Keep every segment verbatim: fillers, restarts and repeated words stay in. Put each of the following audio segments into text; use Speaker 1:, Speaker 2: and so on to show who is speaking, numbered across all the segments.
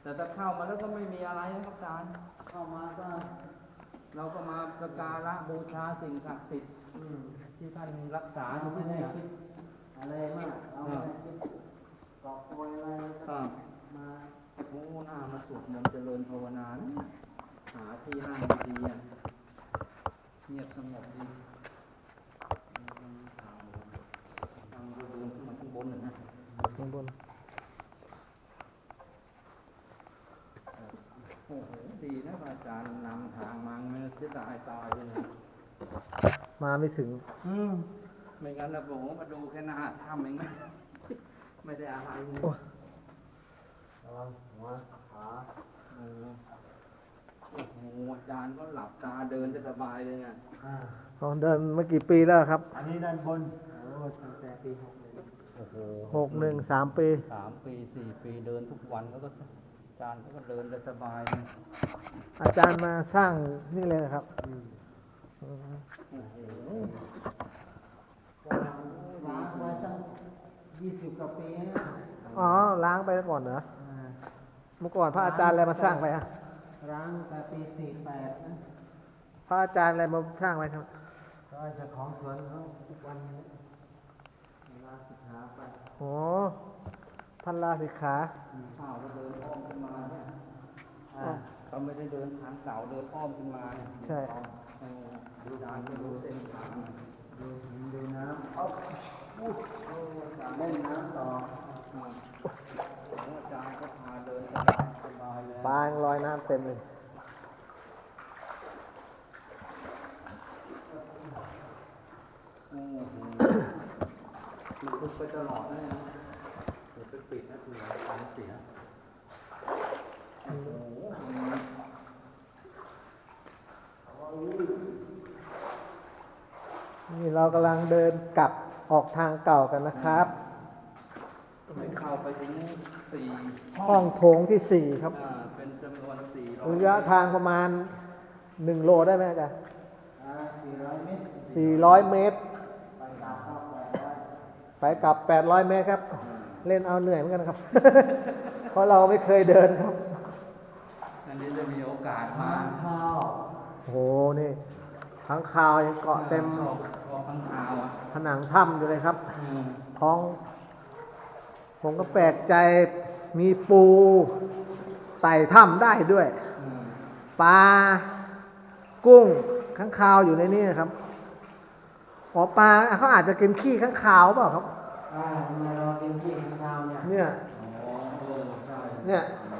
Speaker 1: แต่ถ้าเข้ามาแล้วก็ไม่มีอะไรนะครับอาจารย์เข้ามาก็เราก็มาสักการะบูชาสิ่งศักดิ์สิทธิ์ที่ท่านรักษาอยู่ที่นี่อะไรมากเอาไม่คิดกอบโกยอะไรก็มาโอ้หน้ามาสวดมนต์เจริญภาวนาหาที่นั่งดีๆเงียบสงบดีทางเดินขึ้นมาข้างบนหนึ่งนะ
Speaker 2: ข้างบน
Speaker 1: โอ้โหดีนะอาจารย์นำทางมาไม่เสียดายตายเลยนะ
Speaker 2: มาไม่ถึง
Speaker 1: อืมไม่งั้นเราบอกว่ามาดูแค่หน้าถ้ำเองไม่ไม่ได้อะไรเลยระวังหัวขาโอ้โหอาจารย์ก็หลับตาเดินจะสบายเลยไง
Speaker 2: อ๋อเดินเมื่อกี่ปีแล้วครับ
Speaker 1: อันนี้ด้านบนโอ้ตั้งแต่ปีหกหนึ่งโอ้โห
Speaker 2: หกหนึ่งสามปี
Speaker 1: สามปีสี่ปีเดินทุกวันแล้วก็อาจารย์ก็เดินจะสบาย
Speaker 2: อาจารย์มาสร้างนี่เลยครับ
Speaker 1: ล้างไว้ตั้งยี่สิบกว่าปี
Speaker 2: อ๋อล้างไปก่อนเหรอเมื่อก่อนพระอาจารย์อะไรมาสร้างไปอ่ะ
Speaker 1: ล้างแต่ปีสี่แปดนะ
Speaker 2: พระอาจารย์อะไรมาสร้างไว้ครับ
Speaker 1: ก็เจ้าของสวนเขาทุกวันนี้ลาสิกขาไป
Speaker 2: โอ้พันลาสิกขา
Speaker 1: ข้าวก็เดินอ้อมขึ้นมาเนี่ยเขาไม่ได้เดินทางเก่าเดินอ้อมขึ้นมาเนี่ย
Speaker 2: ใช่
Speaker 1: ดูดานดูเส้นทางดูดูน้ำอ๊อบอู้เล่นน้ำต่ออาจารย์ก็พาเดินสบายสบายเลย
Speaker 2: ปางลอยน้ำเต็มเลย
Speaker 1: โอ้โหมันคุกไปตลอดนะเนี่ยเดี๋ยวไปปิดนะคือท้องเสียโอ้โห
Speaker 2: นี่เรากำลังเดินกลับออกทางเก่ากันนะครับ
Speaker 1: ไม่เข้าไปถึงสี่
Speaker 2: ห้องโถงที่สี่ครับ
Speaker 1: เป็นจำนวนสี่
Speaker 2: ระยะทางประมาณหนึ่งโลได้ไหมอาจารย์
Speaker 1: สี่ร้อยเมตร
Speaker 2: สี่ร้อยเมตรไปกลับแปดร้อยเมตรครับเล่นเอาเหนื่อยเหมือนกันครับเพราะเราไม่เคยเดินครับ
Speaker 1: อันนี้จะมีโอกาสมาข้าว
Speaker 2: โหนี่ทั้งคาวยังเกาะเต็มผนังถ้ำอยู่เลยครับท้องผมก็แปลกใจมีปูไต่ถ้ำได้ด้วยปลากุ้งข้างคาวอยู่ในนี้ครับอ๋อปลาเขาอาจจะกินขี้ข้างคาวเปล่าครับ
Speaker 1: อ่าทำไมเรากินขี้ข้างคาวเนี่ย
Speaker 2: เนี่ยเนี่ย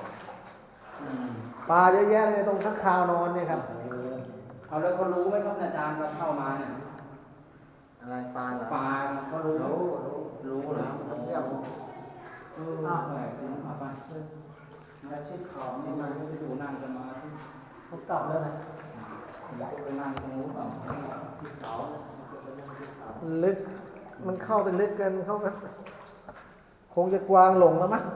Speaker 2: ปลาเยอะแยะเลยตรงข้างคาวนอนเนี่ยครับ
Speaker 1: เอาแล้วเขารู้ไหมครับอาจารย์เราเข้ามาเนี่ย
Speaker 2: อะไรปลาเหรอ
Speaker 1: ปลาเขารู้รู้รู้แล้ว
Speaker 2: เที่ยว
Speaker 1: เออเอาไปเอาไปแล้วชิดขอบนี่มันจะอยู่นั่งกันมา
Speaker 2: เขากลับแล้วนะ
Speaker 1: ไปนั่งตรงนู้นเปล่าที่เสา
Speaker 2: ลึกมันเข้าไปลึกเกินเข้าไปคงจะกวางหลงแล้วมั้ง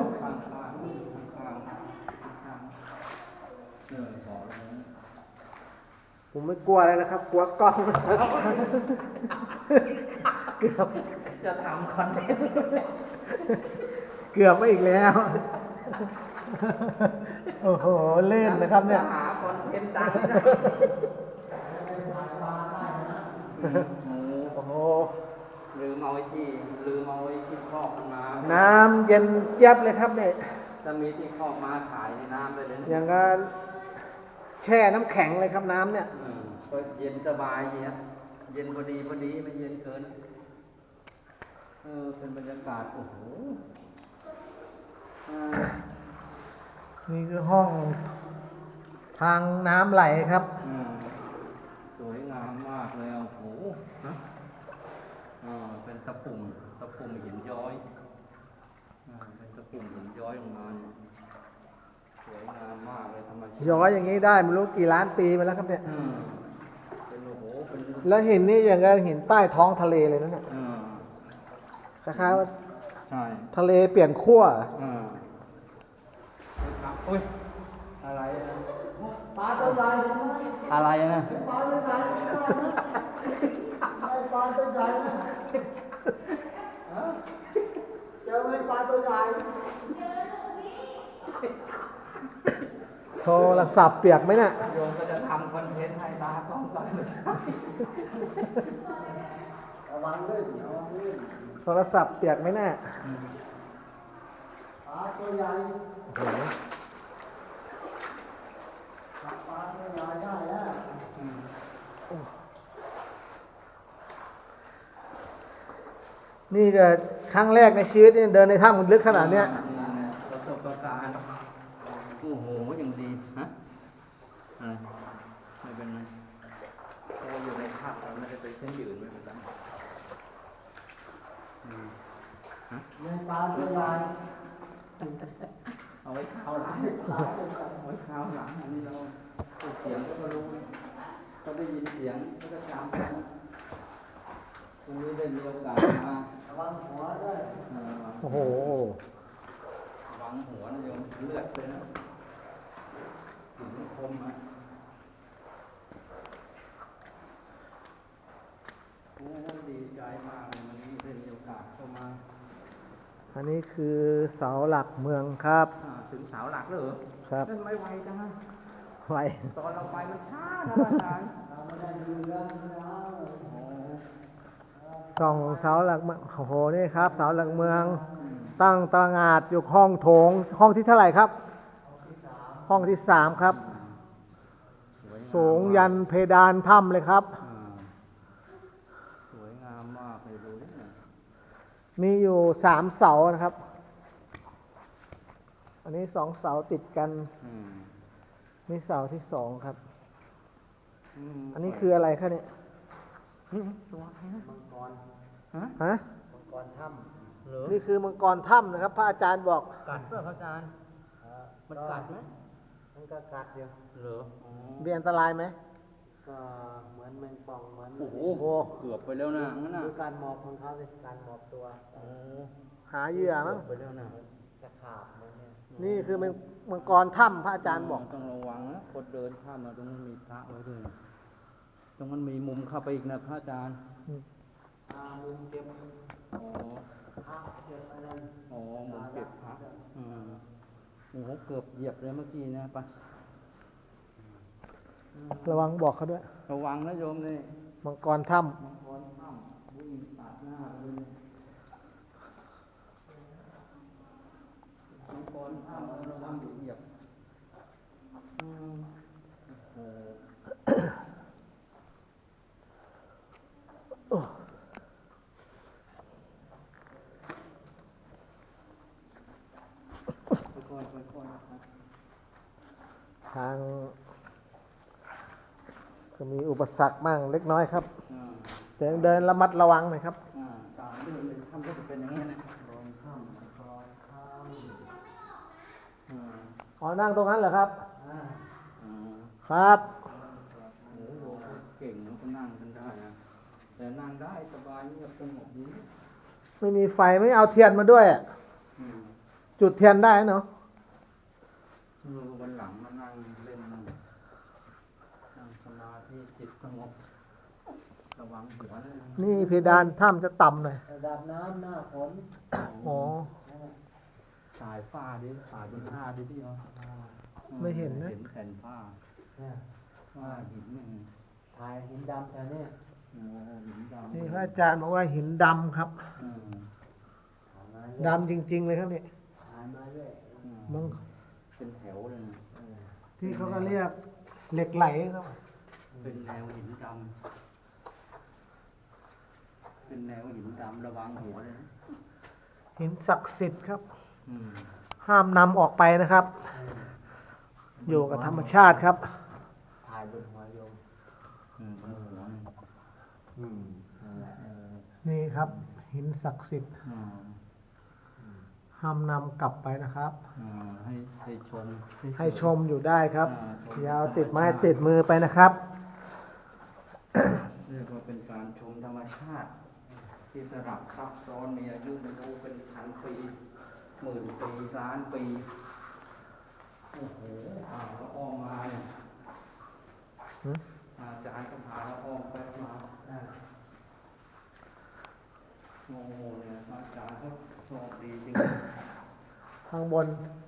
Speaker 2: ผมไม่กลัวอะไรนะครับกลัวกล้องเกือบ
Speaker 1: จะทำคอนเทนต์
Speaker 2: เกือบไม่อีกแล้วโอ้โหเล่นนะครับเนี่ย
Speaker 1: หาคอนเทนต์ดังนะ
Speaker 2: โอ้โห
Speaker 1: ลืมเอาไอ้ที่ลืมเอาไอ้ที่ครอบมา
Speaker 2: น้ำเย็นเจี๊ยบเลยครับเนี่ย
Speaker 1: จะมีที่ครอบมาขายในน้ำเลยเลย
Speaker 2: อย่างนั้นแช่น้ำแข็งเลยครับน้ำเนี่ย
Speaker 1: ก็เย็นสบายเย็นเย็นพอดีพอดีไม่เย็นเกินเออเป็นบรรยากาศโอ้โห
Speaker 2: นี่คือห้องทางน้ำไหลครับ
Speaker 1: สวยงามมากเลยโอ้โหนะอ่าเป็นตะปุ่มตะปุ่มหินย้อยอ่าเป็นตะปุ่มหินย้อยลงมาสวยงามมากเลยธรรมชาติ
Speaker 2: ย้อยอย่างนี้ได้ไม่รู้กี่ล้านปีมาแล้วครับเนี่ย
Speaker 1: เป็นโอ้โหเป็น
Speaker 2: แล้วหินนี่อย่างกับหินใต้ท้องทะเลเลยนะเนี่ยคล้ายๆว่าทะเลเปลี่ยนขั้ว
Speaker 1: อุ้ยอะไรนะ
Speaker 2: ปลาตัวใหญ่
Speaker 1: อะไรนะ
Speaker 2: ปลาตัวใหญ่ปลาตัวใหญ่เจอไหมปลาตัวใหญ่โทรศัพท์เปียกไหมเนี่ย
Speaker 1: โยมก็จะทำคอนเทนต์ให้ตากล้องต่อยไม่ได้
Speaker 3: ระวังลื่นระวังลื่น
Speaker 2: โทรศัพท์เปียกไหมเนี่ย
Speaker 1: อืม
Speaker 3: ปลาตัวใหญ่
Speaker 2: โอ้โห
Speaker 3: จับปลาตัวใหญ่ได้แล้ว
Speaker 1: อืม
Speaker 2: นี่ก็ครั้งแรกในชีวิตนี่เดินในถ้ำมันลึกขนาดเนี้ย
Speaker 1: ประสบการณ์โอ้โหอย่างดีฮะอะไรไม่เป็นไรเพราะว่าอยู่ในภาพเราไม่ได้ไปเส้นยืนไม่เป็นไรอืมฮะ
Speaker 3: ในปลาตัวใหญ่
Speaker 1: เอาไว้ข้าวหลังเอาไว้ข้าวหลังอันนี้เราเสียงก็รู้ก็ได้ยินเสียงก็จะจำวันนี้ได้มีโอกาสมา
Speaker 3: ระวังหัวด้วย
Speaker 1: เอ่อ
Speaker 2: โอ้โห
Speaker 1: วางหัวนะโยมเลือดเลยนะถึงคมอ่ะโอ้ดีใจมากเลยวันนี้ได้มีโอกาสเข้ามา
Speaker 2: อันนี้คือเสาหลักเมืองครับ
Speaker 1: อ่าถึงเสาหลักแล้วเหรอ
Speaker 2: ครับ
Speaker 1: นั่นไม่ไวจังนะ
Speaker 2: ไว้
Speaker 1: ตอนเราไปมันช้านะอาจารย์
Speaker 3: เราไม่ได้ดูเรื่องนะ
Speaker 1: โอ้
Speaker 2: ส่องเสาหลักเมืองโอ้โห นี่ครับ เสาหลักเมือง
Speaker 1: อืม
Speaker 2: ตั้งตระหงาดอยู่ห้องโถง ห้องที่เท่าไหร่ครับ ห้องที่สามครับ
Speaker 1: สวยงาม
Speaker 2: สูงยันเพดานถ้ำเลยครับ
Speaker 1: อ่าสวยงามมากเลยดูดิเนี่ย
Speaker 2: มีอยู่สามเสานะครับ อันนี้สองเสาติดกัน
Speaker 1: อืม
Speaker 2: นี่เสาที่สองครับ
Speaker 1: ม
Speaker 2: อันนี้คืออะไรครับเนี่ย
Speaker 1: นี่ตัวอะไรนะ
Speaker 3: มังกร
Speaker 1: ฮะ
Speaker 2: ฮะ
Speaker 3: มังกรถ้
Speaker 1: เหรอ
Speaker 2: นี่คือมังกรถ้ำนะครับ พระอาจารย์บอก
Speaker 1: กัดเปล่าครับอาจารย์
Speaker 3: ำเอ่อ
Speaker 1: มันกัดไหม
Speaker 3: มันก็กัดอยู่
Speaker 1: เหรออ๋อ
Speaker 2: มีอันตรายไหม
Speaker 3: ก็เหมือนแมงป่องเหมือน
Speaker 1: โอ้โหเกือบไปแล้วนะงั้นน่ะ
Speaker 3: ดูการหมอบของเขาสิการหมอบตัว
Speaker 1: โอ้
Speaker 2: หาเหยื่อมั้ง
Speaker 1: เกือบไปแล้วนะ
Speaker 3: จะขาบเหมือนเนี่ย
Speaker 2: นี่คือมังมังกรถ้ำพระอาจารย์บอก
Speaker 1: ต้องระวังนะคนเดินข้ามมาตรงนั้นมีพระไว้ด้วยนะตรงนั้นมีมุมเข้าไปอีกนะพระอาจารย์
Speaker 3: อ่ามุมเก็บ
Speaker 1: อ๋อ
Speaker 3: พระเก็บอะไร
Speaker 1: อ๋อมุมเก็บพระอืมโอ้โหเกือบเหยียบเลยเมื่อกี้นะไป
Speaker 2: ระวังบอกเขาด้วย
Speaker 1: ระวังนะโยมนี่
Speaker 2: มังกรถ้
Speaker 1: มังกรข้ามวิ่งตัดหน้าเลยมังกรข้ามระวังเหยียบอืมโอ้โห
Speaker 2: ำโอ้
Speaker 1: ค่อยๆค่อยๆนะครับ
Speaker 2: ทาง ก็มีอุปสรรคบ้างเล็กน้อยครับ
Speaker 1: อ่า
Speaker 2: แต่เดินระมัดระวังหน่อยครับ
Speaker 1: อ่าตามที่มันเป็นถ้ำก็จะเป็นอย่างนี้นะ
Speaker 3: กองถ้ำมังกรถ้
Speaker 1: อ่า
Speaker 2: อ๋อ นั่งตรงนั้นเหรอครับ
Speaker 3: ำอ่า
Speaker 1: อ่า
Speaker 2: ครับ
Speaker 1: โอ้โหเก่งนะก็นั่งกันได้นะแต่นั่งได้สบายเงียบสงบดี
Speaker 2: ไม่มีไฟไม่เอาเทียนมาด้วย
Speaker 1: อืม
Speaker 2: จุดเทียนได้เนาะ
Speaker 1: เออวันหลังมานั่งเล่นนั่งนั่งสมาธิจิตสงบระวังหัวนะ
Speaker 2: นี่เพดานถ้ำจะต่ำหน่อย
Speaker 3: ระดับน้ำหน้าฝน
Speaker 2: อ๋อ
Speaker 1: สายฟ้าดิสายบนผ้าดิพี่เนาะ
Speaker 2: ไม่เห็นนะ
Speaker 1: เห็นแผ่นผ้า
Speaker 3: เนี่ย
Speaker 1: ว่าหินนี่
Speaker 3: ถ่ายหินดำแถวเนี้ย
Speaker 1: โอ้หินดำ
Speaker 2: นี่พระอาจารย์บอกว่าหินดำครับ
Speaker 1: อืม
Speaker 3: ถ่ายมา
Speaker 2: ดำจริง ๆ เลยครับเนี่ย
Speaker 3: ถ่ายมาเรื่อย
Speaker 1: อืม
Speaker 2: มัน
Speaker 1: เป็นแถวเลยนะ
Speaker 3: เออ
Speaker 2: ที่เขาก็เรียกเหล็กไหลครับ
Speaker 1: เป็นแนวหินดำเป็นแนวหินดำระวังหัวเลยนะ
Speaker 2: หินศักดิ์สิทธิ์ครับ
Speaker 1: อืม
Speaker 2: ห้ามนำออกไปนะครับ
Speaker 3: เออ
Speaker 2: อยู่กับธรรมชาติครับ
Speaker 3: ถ่ายบนหัวโยม
Speaker 1: อืมบนหัวนี่
Speaker 3: อืมนั่นแหละเออ
Speaker 2: นี่ครับ หินศักดิ์สิทธิ์
Speaker 1: อ่า
Speaker 2: ห้ามนำกลับไปนะครับ
Speaker 1: อ่าให้ให้ชม
Speaker 2: ให้ชมอยู่ได้ครับ
Speaker 1: อ่าชม
Speaker 2: อยาวติดไม้ติดมือไปนะครับ
Speaker 1: เรียกว่าเป็นการชมธรรมชาติ ที่สลับซับซ้อนมีอายุไม่รู้เป็นพันปีหมื่นปีล้านปีโอ้โหพาเราอ้อมมาเนี่ย
Speaker 2: หืม
Speaker 1: อาจารย์ก็พาเราอ้อมไปมาอ่าโอ้โหเนี่ยอาจารย์ก็โชคดีจริง
Speaker 2: ข้างบน